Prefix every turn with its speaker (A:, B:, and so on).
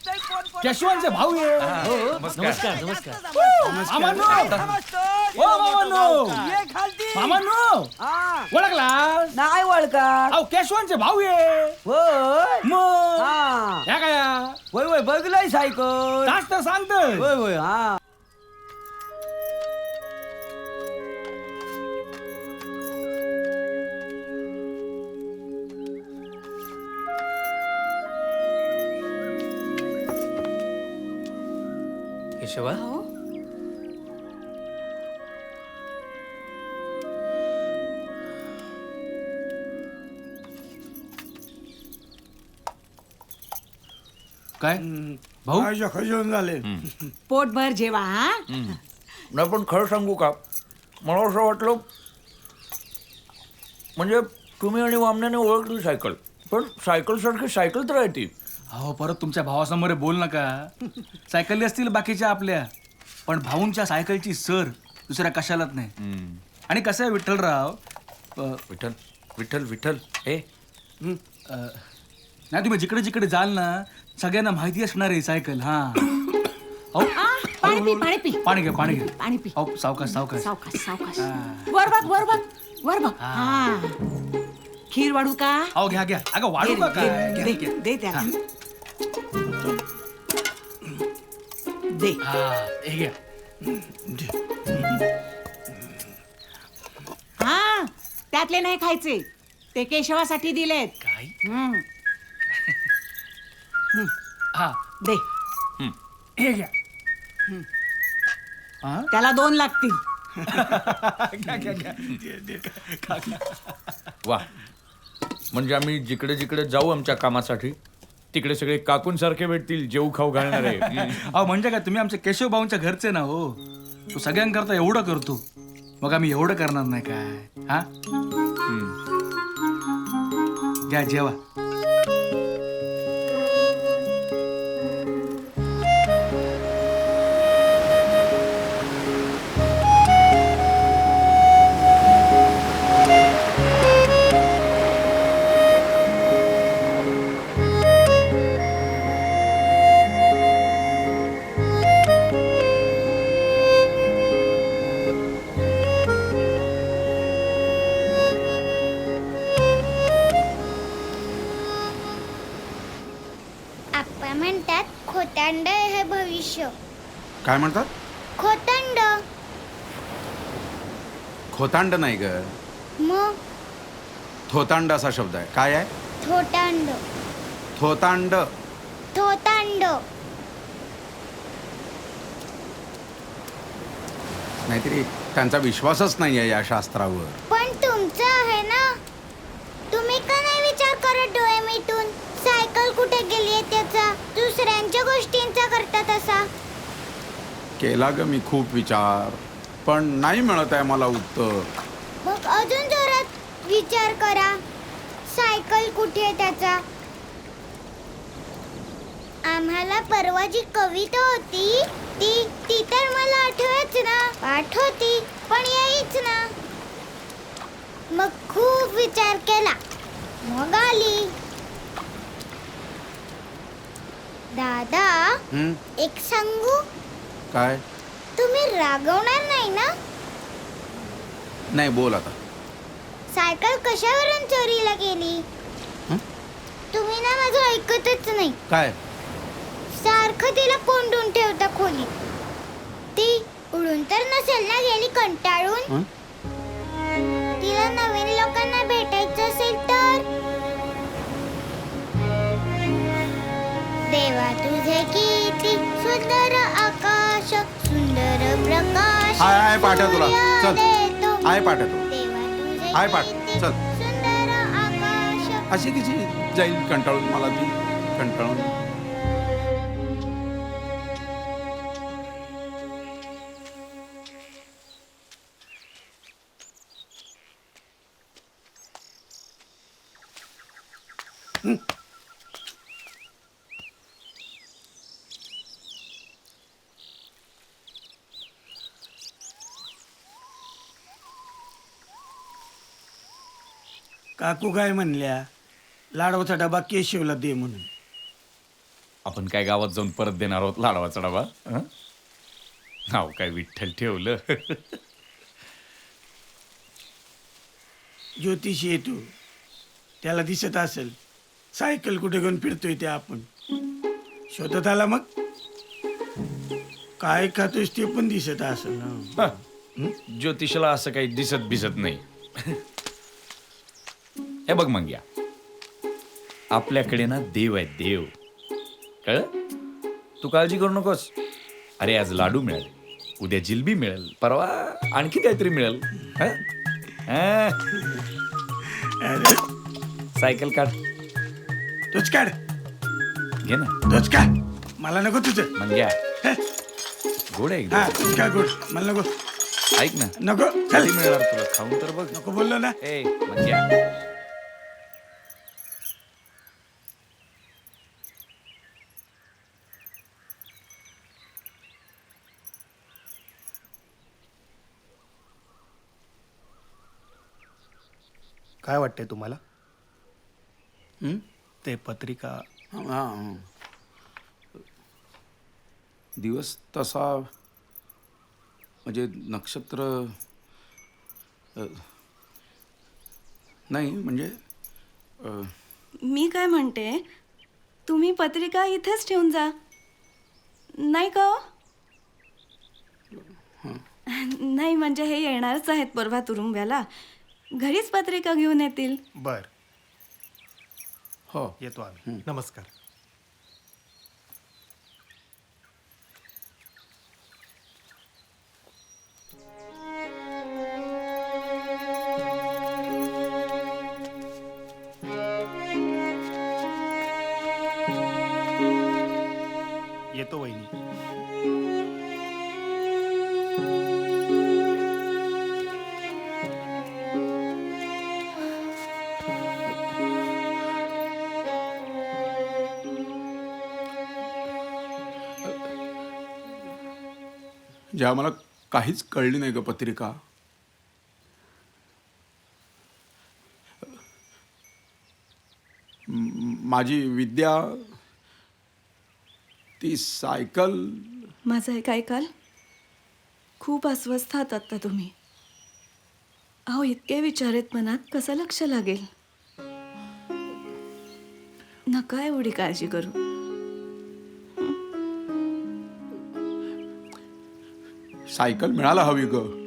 A: केशवांचे भाऊ आहे.
B: नमस्कार नमस्कार.
A: मामांनो, ओ मामांनो, मामांनो, ओळखला?
C: नाही ओळखा.
A: अहो केशवांचे भाऊ आहे.
C: होय
A: मग
C: हा
A: या काय
C: होय होय बघलंय सायकल.
A: तास तर सांगतोय.
C: होय होय हा.
B: केशवा
A: काय भाऊ
D: खजून झाले.
E: पोटभर जेवा हा.
F: नाही पण खरं सांगू का, मला असं वाटलं म्हणजे तुम्ही आणि वामण्याने ओळखली सायकल, पण सायकलसारखी सायकल तर आहे ती.
A: अहो परत तुमच्या भावासमोर बोल नका. सायकली असतील बाकीच्या आपल्या, पण भाऊंच्या सायकलची सर दुसऱ्या कशालाच नाही. आणि कसं आहे विठ्ठलराव,
F: विठ्ठल विठ्ठल विठ्ठल हे
A: नाही तुम्ही जिकडे जिकडे जाल ना सगळ्यांना माहिती असणार आहे सायकल. हा अहो,
E: पाणी पी पाणी पी
A: पाणी घ्या पाणी घ्या.
E: पाणी पी.
A: अहो सावकाश सावकाश.
E: सावकाश सावकाश. वर बघ वर बघ वर बघ. हा खीर वाढू का?
A: अहो घ्या घ्या. अगं वाढू
E: दे,
A: का
E: दे,
A: काय? घ्या,
E: दे,
A: घ्या.
E: दे त्याला. दे.
A: हा हे घ्या.
E: हा त्यातले नाही खायचे, ते केशवासाठी दिलेत.
A: काय
E: हम्म,
A: हा
E: दे.
A: हे घ्या. हा
E: त्याला 2 लागतील.
A: घ्या घ्या घ्या.
F: वा, म्हणजे आम्ही जिकडे जिकडे जाऊ आमच्या कामासाठी तिकडे सगळे काकूंसारखे भेटतील, जेऊ खाऊ घालणारे.
A: अहो म्हणजे काय, तुम्ही आमच्या केशव भाऊंच्या घरचे ना हो. तो सगळ्यांकरता एवढं करतो, मग आम्ही एवढं करणार नाही काय? हा घ्या जेवा.
G: आप्पा म्हणतात खोतांड हे भविष्य.
D: काय म्हणतात?
G: खोतांड.
D: खोतांड नाही ग,
G: मग
D: थोतांड असा शब्द आहे. काय आहे?
G: थोटांड.
D: थोतांड.
G: थोतांड.
D: नाहीतरी त्यांचा विश्वासच नाही आहे या शास्त्रावर.
G: पण तुमचं आहे ना. तुम्ही का नाही विचार करत डोळे मिटून सायकल कुठे गेली आहे त्याचा, दुसऱ्यांच्या गोष्टींचा करता तसा.
D: केला ग मी खूप विचार, पण नाही मिळत आहे मला उत्तर.
G: मग अजून जोरात विचार करा, सायकल कुठे आहे त्याचा. आम्हाला परवा जी कविता होती ती ती तर मला आठवच ना. पाठ होती पण यायच ना. मग खूप विचार केला, मग आली. दादा
D: हं?
G: एक सांगू,
D: काय?
G: तुम्ही रागवणार नाही ना.
D: नाही, बोल आता.
G: सायकल कशावरून चोरीला गेली?
D: हं?
G: तुम्ही ना माझं ऐकतच नाही.
D: काय?
G: सारखं तिला कोंडून ठेवता खोलीत. ती उडून तर नसेल ना गेली कंटाळून.
D: हं?
G: तिला नवीन लोकांना भेटायचं असेल तर. देवा तुझे किती सुंदर आकाश, सुंदर प्रकाश.
D: हाय हाय पाठव तुला. चल.
G: देतो.
D: हाय पाठव तू.
G: देवा तुझे
D: हाय पाठ.
G: किती
D: चल.
G: सुंदर आकाश.
D: अशी कशी जाईल कंटाळून मला ती कंटाळून.
H: काकू काय म्हणल्या, लाडवाचा डबा केशवला दे म्हणून.
F: आपण काय गावात जाऊन परत देणार आहोत लाडवाचा डबा हं? नाव काय विठ्ठल ठेवलं.
H: ज्योतिषी येतो त्याला दिसत असेल सायकल कुठे घेऊन फिरतोय ते आपण शोधत आला मग काय खातोयस ते पण दिसत असेल ना.
F: हं. ज्योतिषाला असं काही दिसत बिसत नाही. हे बघ मंग्या, आपल्याकडे ना देव आहे देव, कळ? तू काळजी करू नकोस. अरे आज लाडू मिळाले, उद्या जिलबी मिळेल, परवा आणखी काहीतरी मिळेल. हं? हं.
H: अरे
F: सायकल काढ,
H: तोच काढ
F: घे ना.
H: तोच का मला नको तुझं.
F: मंग्या गोड आहे
H: हा
F: एकदम.
H: तूच का गोड मला नको
F: ऐक ना,
H: नको चल
F: कधी मिळणार तुला? खाऊन तर बघ.
H: नको बोललो ना.
F: ए मंग्या,
I: काय वाटतंय तुम्हाला
D: हं?
I: ते पत्रिका
D: हां. दिवस तसा म्हणजे नक्षत्र नाही म्हणजे
J: मी काय म्हणते, तुम्ही पत्रिका इथेच ठेवून जा, नाही का हो? नाही म्हणजे हे येणारच आहेत परवा तुरुंब्याला, घरीच पत्रिका घेऊन येतील.
I: बर
D: हो
I: येतो आम्ही. नमस्कार. येतो वहिनी.
D: ज्या मला काहीच कळली नाही ग पत्रिका. माझी विद्या, ती सायकल.
J: माझं एक ऐकाल, खूप अस्वस्थ आहात आत्ता तुम्ही. अहो इतके विचार आहेत मनात, कसं लक्ष लागेल? नका एवढी काळजी करू.
D: सायकल मिळायला हवी ग.